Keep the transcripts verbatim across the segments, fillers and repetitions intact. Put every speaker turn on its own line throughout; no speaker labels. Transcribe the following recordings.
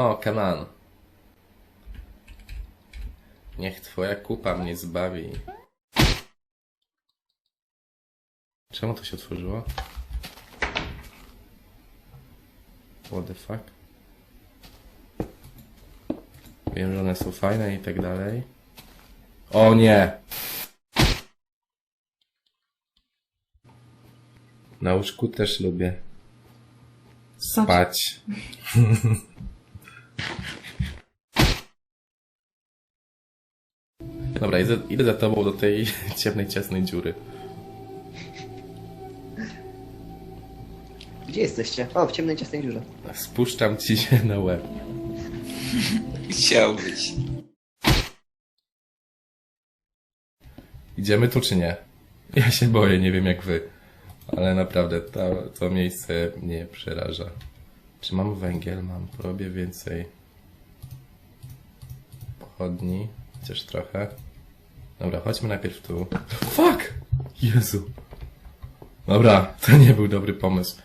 O, Kanan. Niech twoja kupa mnie zbawi. Czemu to się otworzyło? What the fuck? Wiem, że one są fajne i tak dalej. O nie! Na łóżku też lubię spać. Dobra, idę, idę za tobą do tej ciemnej, ciasnej dziury.
Gdzie jesteście? O, w ciemnej, ciasnej dziurze.
Spuszczam ci się na łeb.
Chciałbyś.
Idziemy tu czy nie? Ja się boję, nie wiem jak wy. Ale naprawdę to, to miejsce mnie przeraża. Czy mam węgiel? Mam. Robię więcej pochodni. Chociaż trochę. Dobra, chodźmy najpierw tu. Fuck! Jezu. Dobra, to nie był dobry pomysł.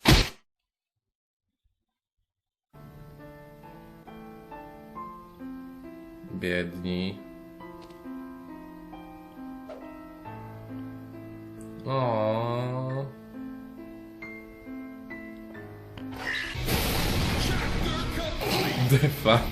Biedni. O. The fuck.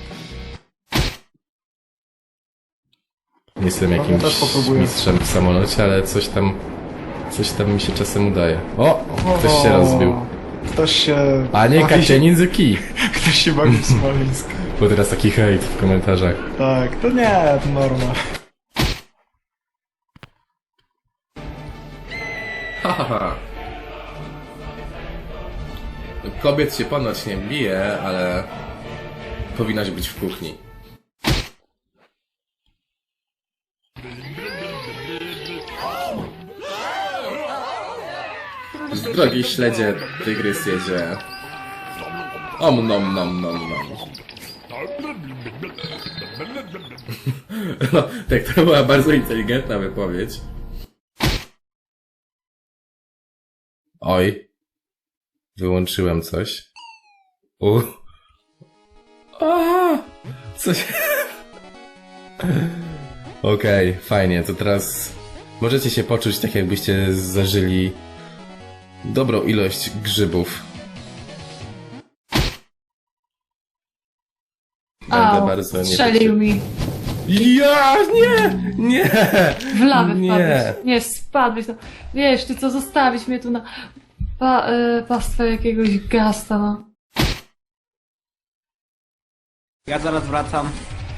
Nie jestem jakimś mistrzem w samolocie, ale coś tam, coś tam mi się czasem udaje. O! Ktoś się rozbił.
Ktoś się...
Panie Kacianin the key.
Ktoś się bawi w Smoleńsk.
Bo teraz taki hejt w komentarzach.
Tak, to nie, to norma.
Hahaha. Kobiet się ponoć nie bije, ale powinnaś być w kuchni. Z drogi śledzie tygrys jedzie. Om nom nom nom nom. No, tak, to była bardzo inteligentna wypowiedź. Oj. Wyłączyłem coś. U. A, coś. Okej, okay, fajnie, to teraz możecie się poczuć tak, jakbyście zażyli dobrą ilość grzybów. Będę
Au,
bardzo
strzelił mi.
Ja, nie, nie.
W lawę
Nie.
wpadłeś. Nie, spadłeś. No. Wiesz, ty co, zostawić mnie tu na pa, y, pastwę jakiegoś gasta, no.
Ja zaraz wracam.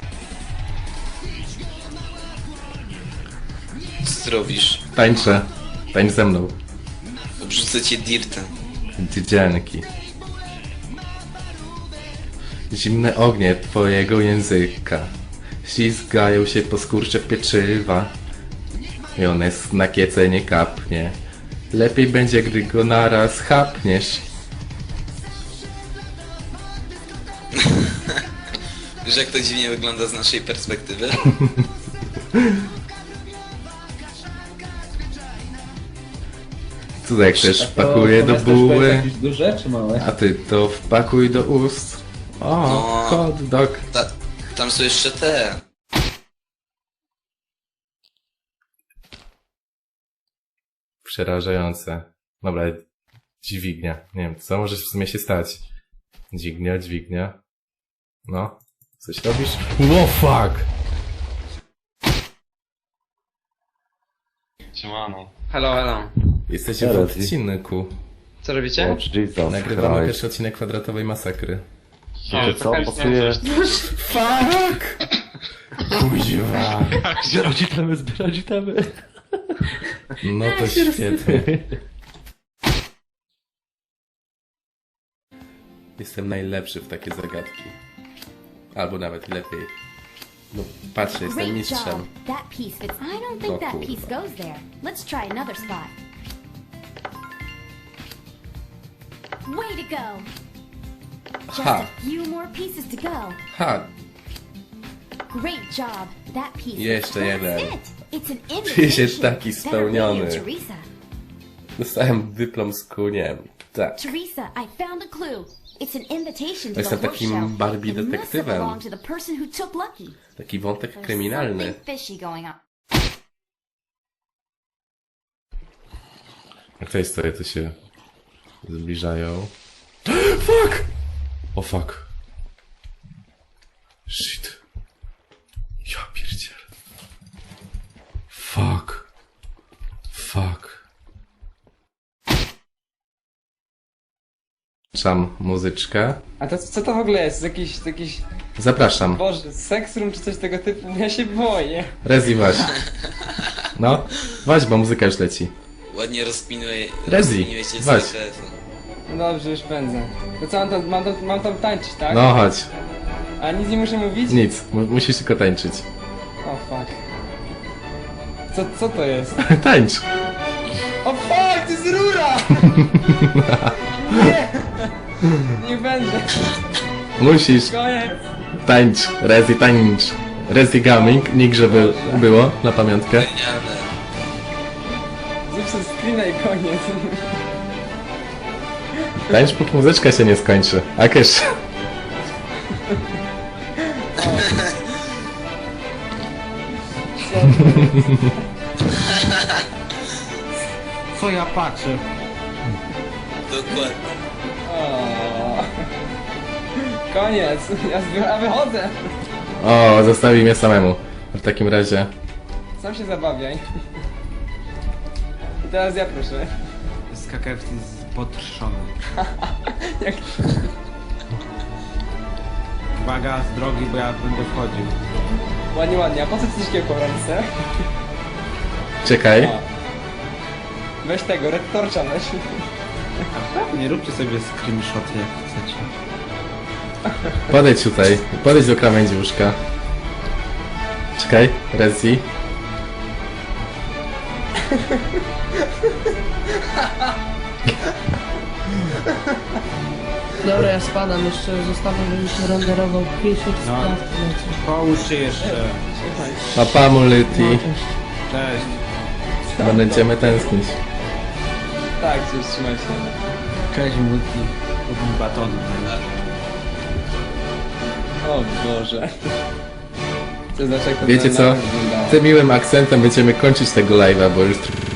Co ty robisz?
Tańczę. Tańcz ze mną.
Obrzucę cię dirtem.
Dziecianki. Zimne ognie twojego języka ślizgają się po skurcze pieczywa i one na kiece nie kapnie. Lepiej będzie, gdy go naraz chapniesz.
Wiesz, jak to dziwnie wygląda z naszej perspektywy?
Tutaj ktoś wpakuje do buły,
jakieś duże czy małe?
a ty to wpakuj do ust. O,
No.
hot dog.
Ta, tam są jeszcze te.
Przerażające. Dobra, dźwignia. Nie wiem, co może w sumie się stać. Dźwignia, dźwignia. No, coś robisz? Wow, fuck!
Siemano.
Hello, hello.
Jesteście w odcinku.
Co robicie?
Jesus
Nagrywamy pierwszy odcinek kwadratowej masakry.
Wiecie co, pasuje...
Fuck! Kuźwa.
Zbierać itemy, zbierać itemy.
No to świetnie. Jestem najlepszy w takie zagadki. Albo nawet lepiej. No patrzcie, jestem
Great
mistrzem.
job. That piece fits. I don't think
Oh,
that
cool.
piece goes there. Let's try another spot. Way to go. Just
Ha.
a few more pieces to go.
Ha!
Great job. That piece.
Jeszcze
That's
jeden.
it. It's an
Czuję się
invitation.
taki
Better radio,
spełniony.
Teresa.
Dostałem dyplom z kuniem. Tak.
Teresa, I found a clue. It's an invitation to
Jestem
the horse
takim
show.
Barbie
It must have
detektywem.
belonged to the person who took Lucky.
Taki wątek
There's
kryminalny.
something fishy going on.
A tutaj stoję, to się zbliżają. Fuck! O fuck. Shit. Ja pierdzielę. Fuck. Fuck. Czam muzyczkę.
A to co to w ogóle jest? Jakiś, jakiś,
Zapraszam.
boże, sex room czy coś tego typu? Ja się boję.
Rezi waś. No, waś, bo muzyka już leci.
Ładnie rozpinuje,
Rezi,
rozpiniłeś się
weź.
cały telefon.
No dobrze, już pędzę. To co, mam tam, mam tam, mam tam tańczyć, tak?
No chodź.
A nic nie muszę mówić?
Nic, mu- musisz tylko tańczyć.
O fuck. Co, co to jest?
Tańcz.
O fuck, to jest rura! Nie! Nie będzie.
Musisz.
Koniec.
Tańcz. Rezi tańcz. Rezi gaming. Nikt, żeby było na pamiątkę.
Genialne.
Zrób sobie screena i koniec.
Tańcz, póki muzyczka się nie skończy. A kysz.
Co ja patrzę?
Dokładnie.
O. Koniec. Ja, zbi- ja wychodzę.
O, zostawi mnie samemu. W takim razie.
Sam się zabawiaj. I teraz ja proszę.
Z K K F jest potrzony.
Jak...
Uwaga, z drogi, bo ja będę wchodził.
Ładnie, ładnie. A po co ty coś takiego w ręce?
Czekaj.
O. Weź tego, Red Torcha weź.
Nie róbcie sobie screenshoty jak chcecie.
Podejdź tutaj. Podejdź do krawędzi łóżka. Czekaj. Rezi.
Dobra, ja spadam, jeszcze zostawiam, żebym się renderował pierwszy
No.
spraw.
Połóż się jeszcze.
Papa Muliti.
Cześć.
Będziemy tęsknić.
Tak, coś trzymaj się.
Cześć, multi. Lubię batony.
O Boże. Co znaczy, jak to
Wiecie
na-
co?
na- wyglądało?
Tym miłym akcentem będziemy kończyć tego live'a, bo już